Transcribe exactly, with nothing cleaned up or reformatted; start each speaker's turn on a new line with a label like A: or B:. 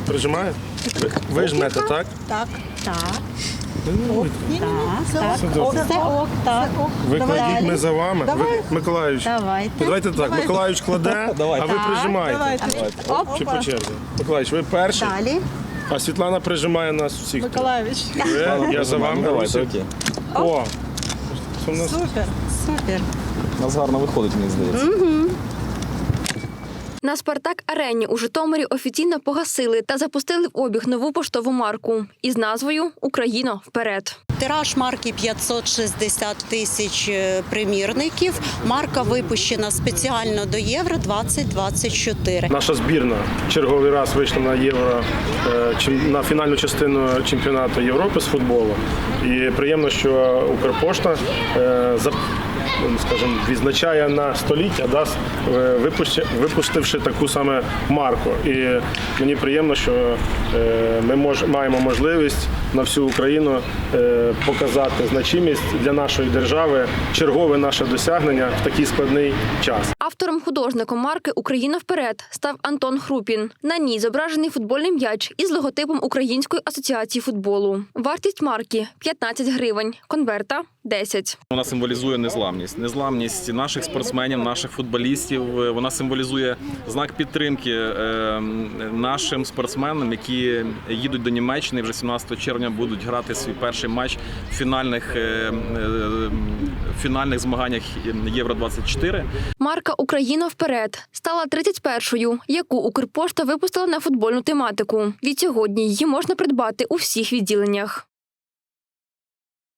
A: Прижимає? Ви, ви жмете, так?
B: Так.
C: Так,
A: Ну,
B: Ні, ні,
C: так,
B: це
C: так.
A: Все добре.
C: Це ок, так.
A: Ви
B: Давай.
A: кладіть, ми за вами.
B: Давай.
A: Ви, Миколаївич,
C: Давайте.
A: давайте так. Миколаївич кладе, а ви
C: Так,
A: прижимаєте.
B: Давайте.
C: Оп.
A: Чи по черзі? Миколаївич, ви перший,
C: Далі.
A: а Світлана прижимає нас всіх.
B: Миколаївич.
A: Ви, я за вами.
D: Давайте,
A: Русик.
D: окей.
A: О! Це в нас
B: Супер.
C: Супер.
D: У нас гарно виходить, мені здається.
E: На «Спартак-арені» у Житомирі офіційно погасили та запустили в обіг нову поштову марку із назвою «Україно, вперед!».
F: Тираж марки п'ятсот шістдесят тисяч примірників. Марка випущена спеціально до Євро двадцять двадцять чотири.
A: наша збірна черговий раз вийшла на євро е, чим- на фінальну частину чемпіонату Європи з футболу. І приємно, що Укрпошта е, за- ну, скажімо, відзначає на століття, да, с- е, випущи- випустивши таку саме марку. І мені приємно, що е, ми мож, маємо можливість на всю Україну е, показати значимість для нашої держави, чергове наше досягнення в такий складний час.
E: Автором-художником марки «Україна вперед» став Антон Хрупін. На ній зображений футбольний м'яч із логотипом Української асоціації футболу. Вартість марки – п'ятнадцять гривень, конверта – десять.
D: Вона символізує незламність. Незламність наших спортсменів, наших футболістів. Вона символізує знак підтримки е, нашим спортсменам, які їдуть до Німеччини і вже сімнадцятого червня будуть грати свій перший матч в фінальних, е, е, фінальних змаганнях Євро двадцять чотири.
E: Марка «Україна вперед» стала тридцять першою, яку Укрпошта випустила на футбольну тематику. Відсьогодні її можна придбати у всіх відділеннях.